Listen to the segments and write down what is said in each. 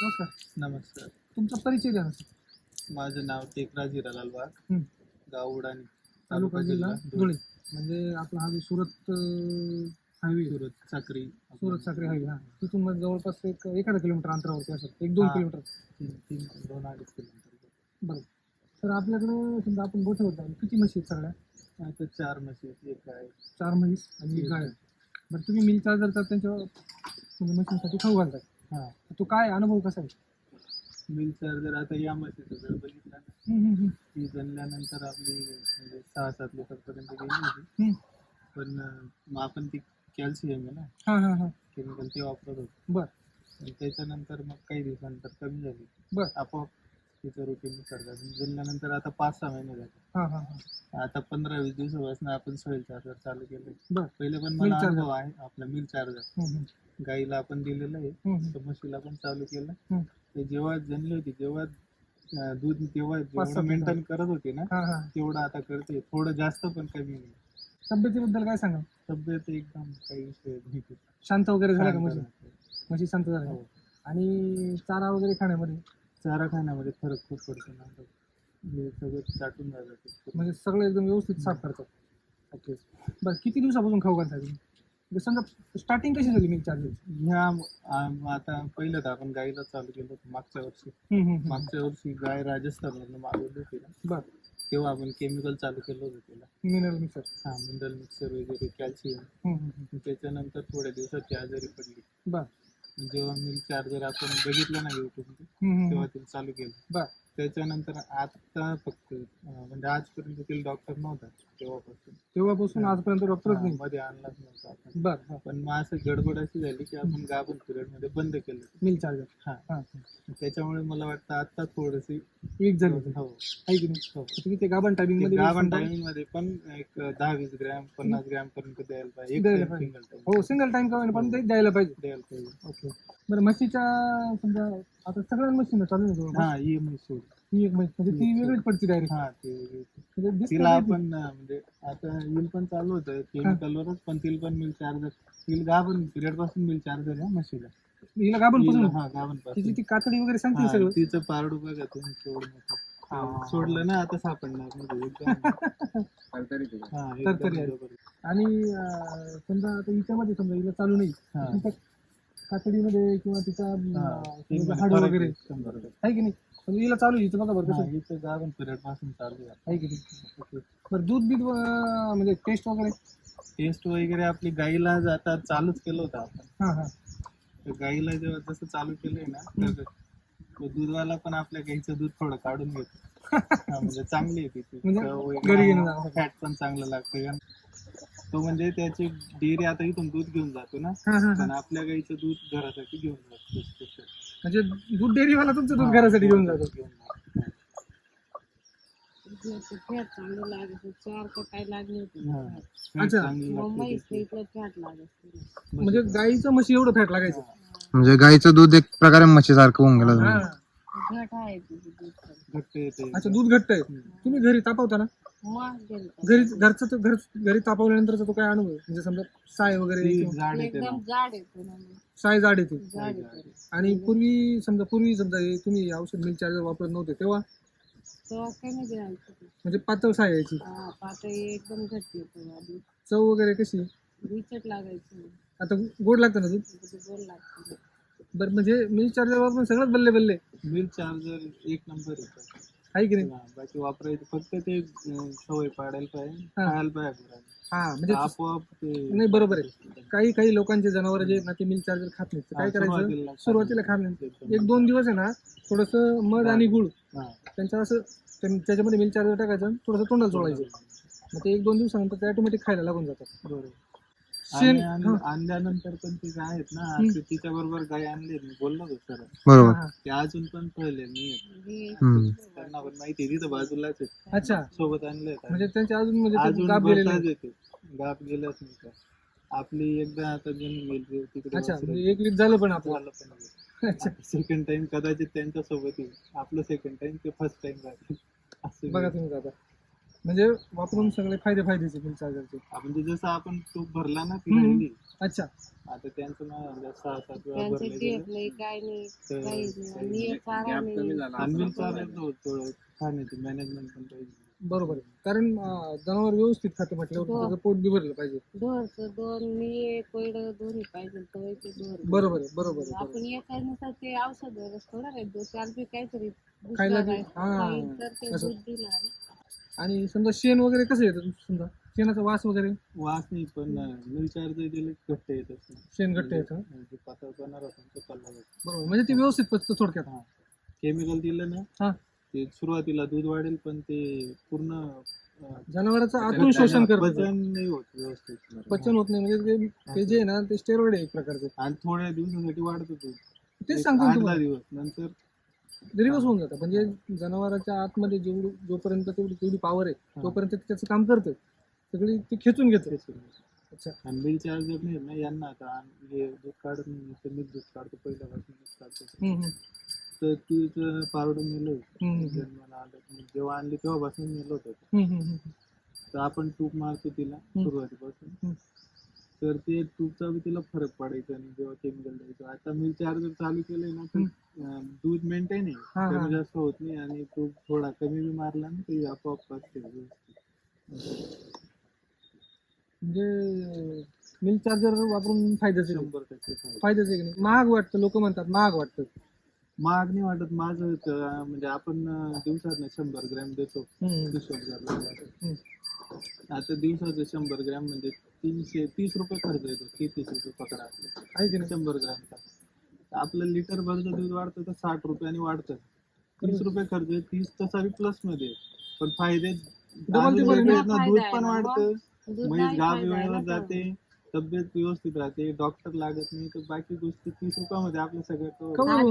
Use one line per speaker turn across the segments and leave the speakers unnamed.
नमस्कार.
नमस्कार.
तुमचा परिचय द्या ना सर.
माझं नाव टेकराज हिरालाल वाघ,
हं.
गाव उडाणी,
तालुका जिल्हा धुळे. म्हणजे आपला हा जो सुरत हायवे,
सुरत साक्री.
सुरत साक्री हायवे, हा तिथून मग जवळपास एक 1.5 किलोमीटर अंतरावरती असं 1-2 किलोमीटर.
2-2.5 किलोमीटर.
बरं. तर आपल्याकडं समजा आपण गोठे होता किती म्हशी आहेत सगळ्या?
आता 4 म्हशी, एक गाय.
4 म्हैस आणि 1 गाय. बरं, तुम्ही मिल चार्जर तर त्यांच्या म्हणजे म्हशींसाठी खाऊ घालतात.
हां,
तो काय अनुभव कसा आहे?
मिल चार्जर आता या म्हशीचं जर बघितलं ना, ती जनल्यानंतर आपली म्हणजे 6-7 लिटरपर्यंत गेली होती. पण मग आपण ती कॅल्शियम आहे ना,
हां हां हां.
केमिकल ते वापरत होतो.
बरं
आणि त्याच्यानंतर मग काही दिवसानंतर कमी झाली.
बरं.
आपोआप तिचं रुटीन करतात. जनल्यानंतर आता 5-6 महिने झाले.
हां हां हां.
आता 15-20 दिवसापासून आपण सॉइल चार्जर चालू केलं.
बरं.
पहिले पण
मिल
मला
चार्जर.
अनुभव आहे आपला मिल चार्जर. गाईला आपण दिलेलं आहे, तर म्हशीला पण चालू केलं. ते जेव्हा जनली होती जेव्हा दूध तेव्हा
5-7
जेवढं मेंटेन करत होते ना,
हां हां.
तेवढं आता करते. थोडं जास्त पण कमी नाही.
तब्येतीबद्दल काय सांगा?
तब्येत एकदम काही विषय नाही.
शांत वगैरे झाल्या का
शांत
म्हशी?
राहते.
म्हशी शांत झाल्या.
हो.
आणि चारा वगैरे खाण्यामध्ये
चारा खाण्यामध्ये फरक खूप पडतो ना. हे सगळं चाटून जातं ते.
म्हणजे सगळं एकदम व्यवस्थित साफ करतात. ओके. बरं, किती दिवसापासून खाऊ घालता तुम्ही? म्हणजे समजा स्टार्टिंग कशी झाली मिल्क चार्जरची?
ह्या आता पहिलं तर आपण गाईला चालू केलं होतं मागच्या वर्षी. मागच्या वर्षी गाय राजस्थानवरून मागवली होती ना,
बरं.
तेव्हा आपण केमिकल चालू केलं होतं त्याला.
Mineral mixer.
हा, मिनरल मिक्सर वगैरे, कॅल्शियम. त्याच्यानंतर थोड्या दिवसात ती आजारी पडली.
बरं
जेव्हा मिल्क चार्जर आपण बघितलं ना युट्यूब, तेव्हा ते चालू केलं.
बरं.
त्याच्यानंतर आता फक्त म्हणजे आजपर्यंत तिला डॉक्टर नव्हता
तेव्हापासून आजपर्यंत डॉक्टरच नाही.
मध्ये आणलाच नव्हता आपण.
बरं.
पण मग असं गडबड अशी झाली की आपण गाभण पिरियड मध्ये बंद केलं
मिल्क चार्जर.
हा.
हां.
त्याच्यामुळे मला वाटतं आता थोडीशी
वीक झाली.
हो.
आहे की नाही? तुम्ही ते गाभण टायमिंग मध्ये
गाभण टायमिंग मध्ये पण एक 10-20 ग्रॅम 50 ग्रॅम पर्यंत द्यायला पाहिजे. Single time.
हो, सिंगल टाइम का पण ते द्यायला पाहिजे.
द्यायला पाहिजे.
ओके. बरं, म्हशीच्या समजा आता सगळ्या म्हशींना चालू आहे.
हा, ही म्हैस सोड.
ही एक म्हैस म्हणजे ती वेगळीच पडते डायरेक्ट.
हा, ती वेगळी.
म्हणजे
तिला आपण म्हणजे आता येईल पण चालू होतं केमिकलवरच, पण तिला पण मिल चार्जर, तिला गाभण पिरियड पासून मिल चार्जर आहे म्हशीला.
हिला गाभण पासून.
हा, गाभण
तिची
पासून.
ती कातडी वगैरे सांगते सगळं.
तिचं पारडू बघा तुम्ही केवढं मोठं. सोडलं ना आता सापडणार म्हणजे एकदम
तरतरी आहे. आणि समजा आता हिच्यामध्ये समजा हिला चालू नाही, तिच्या कातडीमध्ये किंवा तिचा हाड वगैरे आहे की नाही, म्हणजे हिला चालू आहे. हिचं बघा बरं कसं.
हिचं गाभण पिरियड पासून चालू
आहे की नाही. बरं, दूध बीध म्हणजे टेस्ट वगैरे
आपली गाईला आता चालूच केलं होतं आपण.
हां हां.
तर गाईला जेव्हा जसं चालू केलंय ना, तर दूधवाला पण आपल्या गाईचं दूध थोडं काढून घेतो. म्हणजे चांगली आहे तिची.
म्हणजे
फॅट पण चांगलं लागतं. तो म्हणजे त्याची डेअरी आता इथून दूध घेऊन जातो ना, पण आपल्या गाईचं दूध घरासाठी घेऊन जातो.
म्हणजे दूध डेअरीवाला तुमचं दूध घरासाठी घेऊन जातो.
फॅट चांगलं लागत, 4 का काय लागले होते.
अच्छा.
मुंबईत इकडं फॅट लागत.
म्हणजे गाईचं म्हशी एवढं फॅट लागायचं.
म्हणजे गाईचं दूध एक प्रकारे म्हशीसारखं होऊन गेलं.
घट आहे तुझं दूध.
घट्ट येते.
अच्छा, दूध घट्ट आहे. तुम्ही घरी तापवता ना? घरी तापवल्यानंतरचा तो काय अनुभव? म्हणजे समजा साय वगैरे
एकदम जाड येतो ना.
साय जाड येते. आणि पूर्वी समजा तुम्ही औषध मिल्क चार्जर वापरत नव्हते तेव्हा
कमी द्यायचं.
म्हणजे पातळ साय यायची.
पातळ एकदम घट्ट येतो.
चव वगैरे कशी?
विचट लागायचं.
आता गोड लागतं ना दूध?
गोड लागतं.
बरं, म्हणजे मिल्क चार्जर वापरून सगळंच बल्ले.
मिल्क चार्जर एक नंबर
आहे की नाही?
बाकी वापरायचं फक्त ते सवय पाडायला पाहिजे, खायला पाहिजे.
म्हणजे
आपोआप
नाही, बरोबर आहे. काही लोकांचे जनावर जे ना ते मिल्क चार्जर खात नाहीत. काय करायचं, सुरुवातीला खात नाही, 1-2 दिवस आहे ना थोडंसं मध आणि गुळ त्यांच्या असं त्याच्यामध्ये मिल्क चार्जर टाकायचं, थोडंसं तोंडाला चोळायचं. मग ते 1-2 दिवसानंतर ते ऑटोमॅटिक खायला लागून जातात. बरोबर.
आणल्यानंतर पण ते काय आहेत ना, तिच्या बरोबर गाय आणले मी बोललो होतो सर,
बरोबर.
ते अजून पण पहिले मी त्यांना पण माहिती तिथं बाजूलाच आहे.
अच्छा,
सोबत आणले
म्हणजे त्यांच्या अजून गाप
गेलंच नाही. आपली एकदा आता गेली तिकडे.
अच्छा, म्हणजे एक वीक झालं पण आपलं.
सेकंड टाइम कदाचित त्यांच्या सोबत येईल. आपलं सेकंड टाइम ते फर्स्ट टाइम
बघा तुम्ही दादा. म्हणजे वापरून सगळे फायदेचे मिल चार्जरचे.
आपण ते जसं आपण तूप भरला ना फिरायला,
अच्छा.
आता त्यांचं ना 6-7 वेळा
त्यांचं
भरले
देत नाही काय नाही काहीच नाही आणि हे चारा नाही
मिल चार्जर थोडं खाण्याची मॅनेजमेंट पण पाहिजे.
बरोबर आहे. कारण जनावर व्यवस्थित खातं म्हटल्यावर
हो.
त्याचं पोट बी भरलं पाहिजे.
ढोरचं दोन्ही कोयड दोन्ही पाहिजे तवयचे ढोर.
बरोबर आहे, बरोबर आहे, बरोबर.
आपण एकानुसार ते औषध थोडा काय 2-4 बी काहीतरी
खायला
दुसरं
बी-
काय
हा.
खाईल तर ते
असं.
दूध दिलं.
आणि समजा शेण वगैरे कसं येतं समजा शेणाचा वास वगैरे
वास नाही, पण मिल चार्जर दिले घट्ट येत असतं.
शेण घट्ट येतं.
जे पातळपणा राहतो तो चालला जातो.
बरोबर, म्हणजे ते व्यवस्थित पचतं थोडक्यात.
हा. केमिकल दिलं ना
हा.
ते सुरुवातीला दूध वाढेल, पण ते पूर्ण
जनावराचं आतून शोषण करतं.
पचन नाही होत व्यवस्थित.
पचन होत नाही म्हणजे ते जे आहे ना ते स्टेरॉइड आहे एक प्रकारचं.
आणि थोड्या दिवसासाठी वाढत दूध.
तेच सांगतो ना
8-10
तुम्हाला.
दिवस नंतर
दिवस होऊन जातं. म्हणजे जनावरांच्या आतमध्ये जोपर्यंत तेवढी पॉवर आहे तोपर्यंत ते त्याचं काम करतं. सगळी ते खेचून घेतं. अच्छा.
आणि मिल चार्जर नाही ना यांना आता हे दूध काढत नाही, तर मी दूध काढतो पहिल्यापासूनच काढतो. तर तिचं पारडं मेलं होतं जन्माला आलं, जेव्हा आणली तेव्हापासून मेलं होतं. तर आपण तूप मारतो तिला सुरुवातीपासून, तर ते तूपचा बी तिला फरक पडायचा आणि जेव्हा केमिकल द्यायचं. आता मिल चार्जर चालू केलंय ना तर दूध मेंटेन आहे, कमी जास्त होत नाही आणि तूप थोडा कमी बी मारला ना ते आपोआप असते व्यवस्थित.
म्हणजे मिल चार्जर वापरून फायद्याचे
100%
फायद्याचे की नाही. महाग वाटतं, लोक म्हणतात महाग वाटतं.
महाग नाही वाटत माझं म्हणजे आपण दिवसात 100 ग्रॅम देतो हिशोब. आता दिवसाचं 100 ग्रॅम म्हणजे 330 रुपये खर्च येतो. 30 रुपये पकडा
आहे की नाही.
100 ग्रॅमचा. आपलं लिटर भरचं दूध वाढतं तर 60 रुपयाने वाढतं. 30 रुपये खर्च आहे, 30 तसा बी प्लस मध्ये, पण फायदे दूध पण वाढतं, म्हैस गाव वेळेवर जाते, तब्येत व्यवस्थित राहते, डॉक्टर लागत नाही, तर बाकी गोष्टी 30 रुपयामध्ये आपलं सगळं cover होतं.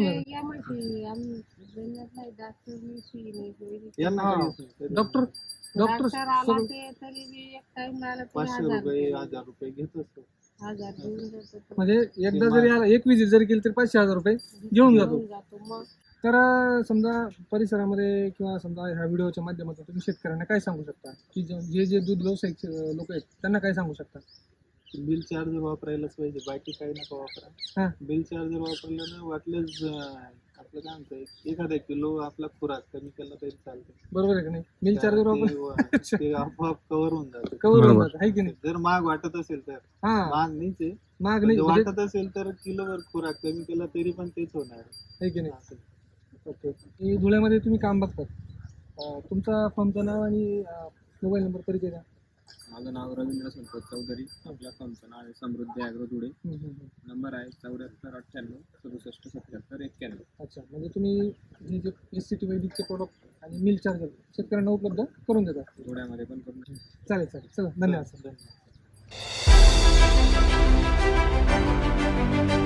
यांना काहीच नाही.
डॉक्टर
आला ते तरी बी एक टाइम आला तरी
500 रुपये 1000 रुपये घेत असतो.
1000 देऊन जातो तो.
म्हणजे एकदा जरी आला, एक विजिट जरी केली तरी 500-1000 रुपये घेऊन जातो.
मग
तर समजा परिसरामध्ये किंवा समजा ह्या व्हिडिओच्या माध्यमातून तुम्ही शेतकऱ्यांना काय सांगू शकता, की जे दूध व्यावसायिक लोक आहेत त्यांना काय सांगू शकता?
बिल चार्जर वापरायलाच पाहिजे, बाकी काही नका वापरा. बिल चार्जर वापरलं ना वाटलंच आपलं काय म्हणतं 1 किलो आपला खुराक कमी केला तरी चालतं.
बरोबर आहे की नाही. मिल चार्जर वापर
ते आपोआप कव्हर होऊन जातं.
कव्हर होऊन जातं, आहे की नाही.
जर महाग वाटत असेल तर, महाग नाहीच आहे,
महाग नाही म्हणजे
वाटत असेल तर किलोवर खुराक कमी केला तरी पण तेच होणार
आहे की नाही. ओके. धुळ्यामध्ये तुम्ही काम बघतात, तुमचा फर्मचं नाव आणि मोबाईल नंबर परिचय द्या.
माझं नाव रवींद्र संपत चौधरी. आपल्या फर्मचं नाव आहे समृद्धी ॲग्रो धुळे. नंबर आहे 7498676771.
अच्छा. म्हणजे तुम्ही हे जे SCT वैदिकचे प्रोडक्ट आणि मिल चार्जर शेतकऱ्यांना उपलब्ध करून देतात.
धुळ्यामध्ये पण करून
चालेल चला, धन्यवाद सर.
आहे.